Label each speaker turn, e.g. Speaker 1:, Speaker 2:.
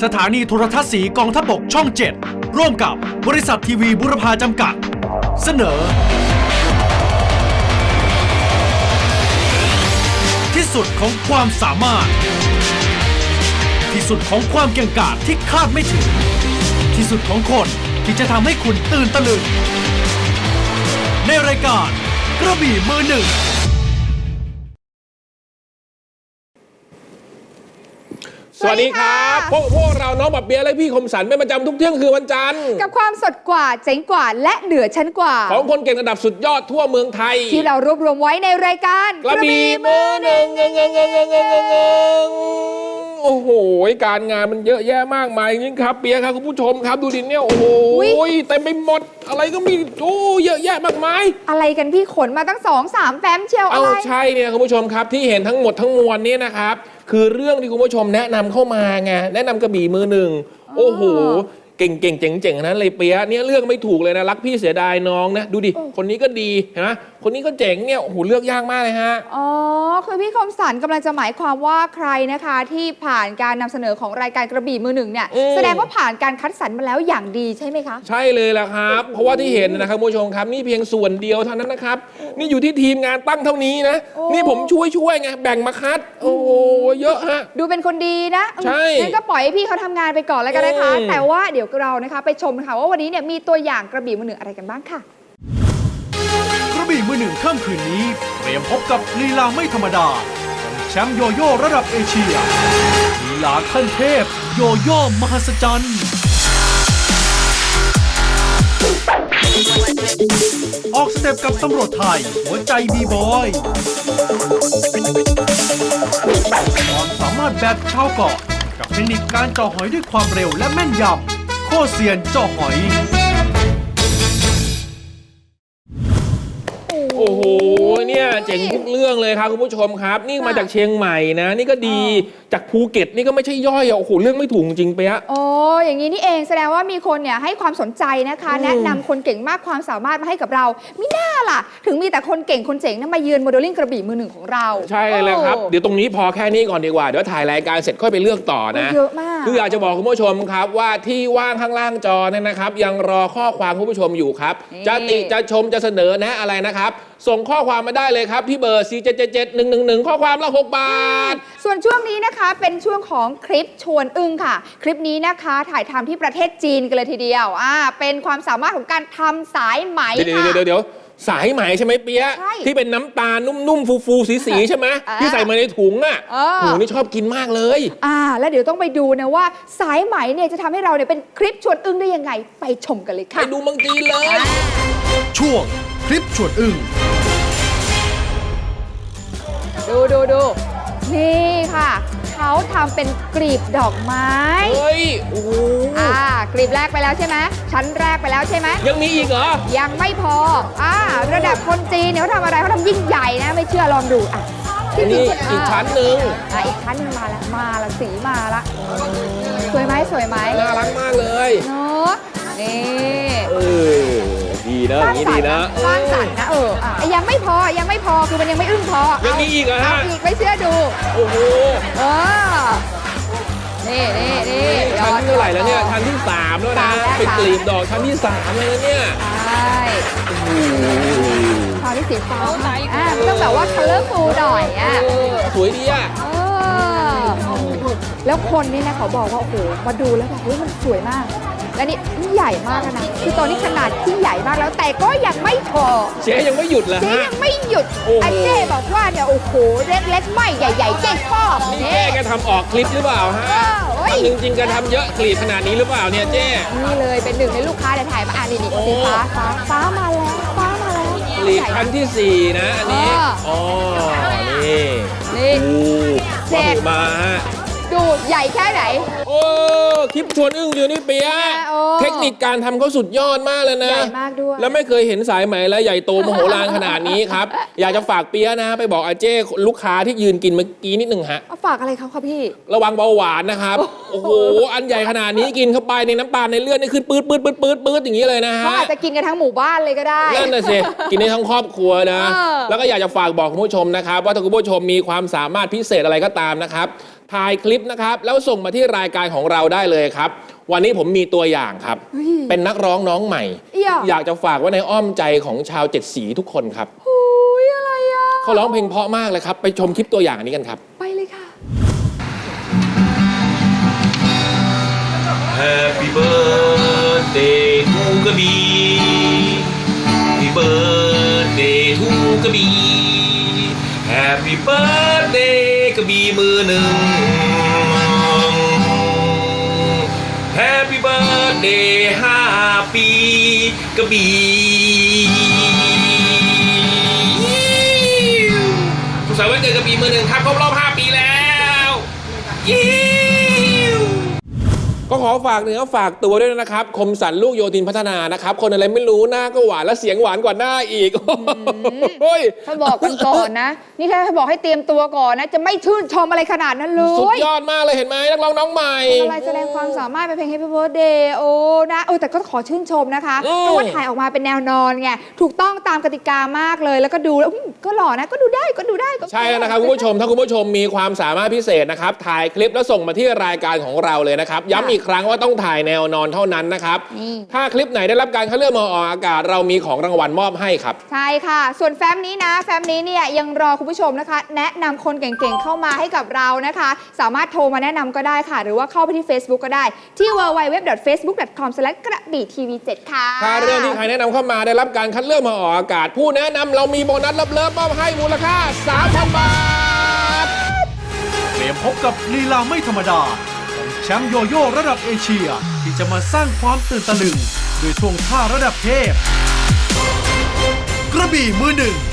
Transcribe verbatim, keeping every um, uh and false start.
Speaker 1: สถานีโทรทัศน์สีกองทัพบกช่องเจ็ดร่วมกับบริษัททีวีบุรพาจำกัดเสนอที่สุดของความสามารถที่สุดของความเก่งกาจที่คาดไม่ถึงที่สุดของคนที่จะทำให้คุณตื่นตะลึงในรายการกระบี่มือหนึ่ง
Speaker 2: สวัสดีครับพวกพวกเราน้องบับเบียและพี่คมสันเป็นประจำทุกเที่ยงคือวันจันทร์
Speaker 3: กับความสดกว่าเจ๋งกว่าและเหนือชั้นกว่า
Speaker 2: ของคนเก่งระดับสุดยอดทั่วเมืองไทย
Speaker 3: ที่เรารวบรวมไว้ในรายการ
Speaker 2: กระบี่มือหนึ่งเงงเงงเงงเงงเงงเงงโอ้โหการงานมันเยอะแยะมากมายจริงครับเบียครับคุณผู้ชมครับดูดิเนี่ยโอ้โหเต็มไปหมดอะไรก็มีโอ้เยอะแยะมากมาย
Speaker 3: อะไรกันพี่ขนมาตั้งสองสามแฟ้มเชียวอะไร
Speaker 2: เอาใช่เนี่ยคุณผู้ชมครับที่เห็นทั้งหมดทั้งมวลนี้นะครับคือเรื่องที่คุณผู้ชมแนะนำเข้ามาไงแนะนำกระบี่มือหนึ่งโอ้โหเก่งเก่งเจ๋งเจ๋งนั้นเลยเปียเนี่ยเลือกไม่ถูกเลยนะรักพี่เสียดายน้องนะดูดิคนนี้ก็ดีเห็นไหมคนนี้ก็เจ๋งเนี่ยโอ้โหเลือกยากมากเลยฮะ
Speaker 3: อ๋อคือพี่คมสันกำลังจะหมายความว่าใครนะคะที่ผ่านการนำเสนอของรายการกระบี่มือหนึ่งเนี่ยแสดงว่าผ่านการคัดสรรมาแล้วอย่างดีใช่ไหมคะ
Speaker 2: ใช่เลยแหละครับเพราะว่าที่เห็นนะครับคุณผู้ชมครับนี่เพียงส่วนเดียวเท่านั้นนะครับนี่อยู่ที่ทีมงานตั้งเท่านี้นะนี่ผมช่วยช่วยไงแบ่งมาคัดโอ้โหเยอะฮะ
Speaker 3: ดูเป็นคนดีนะ
Speaker 2: ใช่
Speaker 3: งั้นก็ปล่อยให้พี่เขาทำงานไปก่อนแล้วกันนะคะแต่ว่าเดี๋ยวเรานะคะไปชมค่ะว่าวันนี้เนี่ยมีตัวอย่างกระบี่มือหนึ่งอะไรกันบ้างค่ะ
Speaker 1: กระบี่มือหนึ่งค่ำคืนนี้เตรียมพบกับลีลาไม่ธรรมดาของแชมป์โยโย่ระดับเอเชียลีลาขั้นเทพโยโย่มหัศจรรย์ออกสเต็ปกับตำรวจไทยหัวใจบีบอยความสามารถแบบชาวเกาะกับเทคนิคการเจาะหอยด้วยความเร็วและแม่นยำโคตรเซียนเจาะหอย
Speaker 2: โอ้โหเนี่ยเจ๋งทุกเรื่องเลยครับคุณผู้ชมครับนี่มาจากเชียงใหม่นะนี่ก็ดีจากภูเก็ตนี่ก็ไม่ใช่ย่อยอ่ะโอ้โหเรื่องไม่ถูกจริงไปอะ
Speaker 3: โอ้อย่างนี้นี่เองแสดงว่ามีคนเนี่ยให้ความสนใจนะคะแนะนำคนเก่งมากความสามารถมาให้กับเรามิน่าล่ะถึงมีแต่คนเก่งคนเจ๋งนั้นมาเยือนโมเดลลิ่งกระบี่มือหนึ่งของเรา
Speaker 2: ใช่เลยครับเดี๋ยวตรงนี้พอแค่นี้ก่อนดีกว่าเดี๋ยวถ่ายรายการเสร็จค่อยไปเลือกต่อนะ
Speaker 3: เยอะมาก
Speaker 2: คืออยากจะบอกคุณผู้ชมครับว่าที่ว่างข้างล่างจอเนี่ยนะครับยังรอข้อความคุณผู้ชมอยู่ครับจะติจะชมจะเสนอแนะอะไรนะครับส่งข้อความมาได้เลยครับที่เบอร์สี่ เจ็ด เจ็ด เจ็ด หนึ่ง หนึ่ง หนึ่งข้อความละหกบาท
Speaker 3: ส่วนช่วงนี้นะคะเป็นช่วงของคลิปชวนอึ้งค่ะคลิปนี้นะคะถ่ายทำที่ประเทศจีนกันเลยทีเดียวอ่าเป็นความสามารถของการทำสายไหมค่ะ
Speaker 2: เดี๋ยวเดี๋ยวเดี๋ยวสายไหมใช่ไหมเปี๊ยะที่เป็นน้ำตาลนุ่มๆฟูๆสีๆใช่ไหมที่ใส่มาในถุงอ่ะโหนี่ชอบกินมากเลย
Speaker 3: อ่าแล้วเดี๋ยวต้องไปดูนะว่าสายไหมเนี่ยจะทำให้เราเนี่ยเป็นคลิปชวนอึ้งได้ยังไงไปชมกันเลยค่ะ
Speaker 2: ไปดูเมืองจีนเลย
Speaker 1: ช่วงคลิปชวนอึ้ง
Speaker 3: ดูดูดูนี่ค่ะเขาทำเป็นกลีบดอกไม้
Speaker 2: เฮ้ยโอ้
Speaker 3: อ่ากลีบแรกไปแล้วใช่ไหมชั้นแรกไปแล้วใช่ไหม
Speaker 2: ยังมีอีกเหรอ
Speaker 3: ยังไม่พออ่าระดับคนจีนเนี่ยเขาทำอะไรเขาทำยิ่งใหญ่นะไม่เชื่อลองดูอ่ะ
Speaker 2: นี่อีกชั้นหนึ่ง
Speaker 3: อ่ะอีกชั้นนึงมาแล้วมาละสีมาละสวยไหมสวยไหม
Speaker 2: น่ารักมากเลย
Speaker 3: เนาะนี่
Speaker 2: เออดีนะอย่างนี้ดีนะ
Speaker 3: สร้างสรรค์นะเออยังไม่พอยังไม่พอคือมันยังไม่อึ้งพอ
Speaker 2: ยังมีอีกเหรอฮะ
Speaker 3: อีกไม่เชื่อดู
Speaker 2: โอ้โห
Speaker 3: เออนี่นี่นี่
Speaker 2: ชั้นที่เท่าไหร่แล้วเนี่ยชั้นที่สามแล้วนะเป็นกลีบดอกชั้นที่สามเลยนะเนี่ย
Speaker 3: ใช่พอที่สีฟ้าอ่ะต้องแบบว่า colorful หน่อยอ่ะ
Speaker 2: สวยดีอ่ะ
Speaker 3: แล้วคนนี่นะเขาบอกว่าโอ้โหมาดูแล้วแบบเฮ้ยมันสวยมากและนี่ใหญ่มากนะคือตอนนี้ขนาดที่ใหญ่มากแล้วแต่ก็ยังไม่พอ
Speaker 2: เจ๊ยังไม่หยุดเหรอฮะ
Speaker 3: เจ๊ยังไม่หยุดอาเจ๊บอกว่าเนี่ยโอ้โหเล็กๆไม่ใหญ่ๆเจ๊ชอบ
Speaker 2: นี่เจ๊แกทำออกคลิปหรือเปล่าฮะจริงๆแกทำเยอะคลิปขนาดนี้หรือเปล่าเนี่ยเจ๊
Speaker 3: นี่เลยเป็นหนึ่งในลูกค้าที่ถ่ายมาอ่านนี่นี่สีฟ้าฟ้าฟ้ามาแล้วฟ้ามาแล้ว
Speaker 2: คลิปชั้นที่สี่นะอันนี้อ๋อนี่
Speaker 3: นี่
Speaker 2: เจ็ดมาฮะ
Speaker 3: ดูใหญ่แค่ไหน
Speaker 2: โอ้คลิปชวนอึ้งอยู่นี่เปียเทคนิคการทำเขาสุดยอดมากเลยนะ
Speaker 3: ใหญ่มากด้วย
Speaker 2: แล้วไม่เคยเห็นสายไหมและใหญ่โตมโหฬารขนาดนี้ครับอยากจะฝากเปียนะไปบอกอาเจ้ลูกค้าที่ยืนกินเมื่อกี้นิดหนึ่งฮะ
Speaker 3: ฝากอะไรเขาครับพี่
Speaker 2: ระวังเบาหวานนะครับโอ้โหอันใหญ่ขนาดนี้กินเข้าไปในน้ำตาลในเลือดนี่ขึ้นปื๊ดปื๊ดปื๊ดปื๊ดปื๊ดอย่างนี้เลยนะฮะ
Speaker 3: เขาอาจจะกินกันทั้งหมู่บ้านเลยก็ได้
Speaker 2: นั่นน่ะสิกินได้ทั้งครอบครัวนะแล้วก็อยากจะฝากบอกคุณผู้ชมนะครับว่าถ้าคุณผู้ชมมีความสามารถพิเศษอะไรก็ตามนะครับถ่ายคลิปนะครับแล้วส่งมาที่รายการของเราได้เลยครับวันนี้ผมมีตัวอย่างครับ
Speaker 3: เฮ้ย
Speaker 2: เป็นนักร้องน้องใหม่
Speaker 3: เอี่ย
Speaker 2: อยากจะฝากไว้ในอ้อมใจของชาวเจ็ดสีทุกคนครับ
Speaker 3: โอ้ยอะไรอ่ะ
Speaker 2: เขาร้องเพลงเพราะมากเลยครับไปชมคลิปตัวอย่างนี้กันครับ
Speaker 3: ไปเลยค่ะ
Speaker 4: Happy birthday to กระบี่ Happy birthday to กระบี่ Happy birthday กระบี่มือหนึ่ง Happy birthday ห้าปีกระบี่สุขสันต์วันเกิดกระบี่มือหนึ่งครับครบรอบห้าปีแล้วยิ้ว
Speaker 2: ก็ขอฝากเนื้อฝากตัวด้วยนะครับคมสันลูกโยธินพัฒนานะครับคนอะไรไม่รู้หน้าก็หวานและเสียงหวานกว่าหน้าอีกโอ้ย
Speaker 3: ถ้าบอกกันก่อนนะ นี่ถ้าบอกให้เตรียมตัวก่อนนะ จะไม่ชื่นชมอะไรขนาดนั้นเลย
Speaker 2: สุดยอดมากเลยเห็นไหมนักร้องน้องใหม่
Speaker 3: อะไรแสดงความสามารถเป็นเพลง Happy Birthday โอ้นะเออแต่ก็ขอชื่นชมนะคะ
Speaker 2: อืม
Speaker 3: เพราะว่าถ่ายออกมาเป็นแนวนอนไงถูกต้องตามกติกามากเลยแล้วก็ดูแล้วอืมก็หล่อนะก็ดูได้ก็ดูได้ก็
Speaker 2: ใช่แล้วนะครับคุณผู้ชมถ้าคุณผู้ชมมีความสามารถพิเศษนะครับถ่ายคลิปแล้วส่งมาที่รายการของเราเลยนะครับย้ำอีกครั้งว่าต้องถ่ายแนวนอนเท่านั้นนะครับ
Speaker 3: นี่
Speaker 2: ถ้าคลิปไหนได้รับการคัดเลือกมาออกอากาศเรามีของรางวัลมอบให้ครับ
Speaker 3: ใช่ค่ะ ส่วนแฟ้มนี้นะ แฟ้มนี้เนี่ยยังรอคุณผู้ชมนะคะ แนะนำคนเก่งๆเข้ามาให้กับเรานะคะ สามารถโทรมาแนะนำก็ได้ค่ะ หรือว่าเข้าไปที่ Facebook ก็ได้ ที่ ดับเบิลยู ดับเบิลยู ดับเบิลยู ดอท เฟซบุ๊ก ดอท คอม สแลช กระบี่ทีวีเจ็ดค่ะ
Speaker 2: ถ้าเรื่องที่ใครแนะนำเข้ามาได้รับการคัดเลือกมาออกอากาศ ผู้แนะนำเรามีโบนัสเลิฟๆมอบให้มูลค่า สามพัน บาท
Speaker 1: เตรียมพบกับลีลาไม่ธรรมดาของแชมป์โยโย่ระดับเอเชีย ที่จะมาสร้างความตื่นตะลึงด้วยท่วงท่าระดับเทพ กระบี่มือหนึ่ง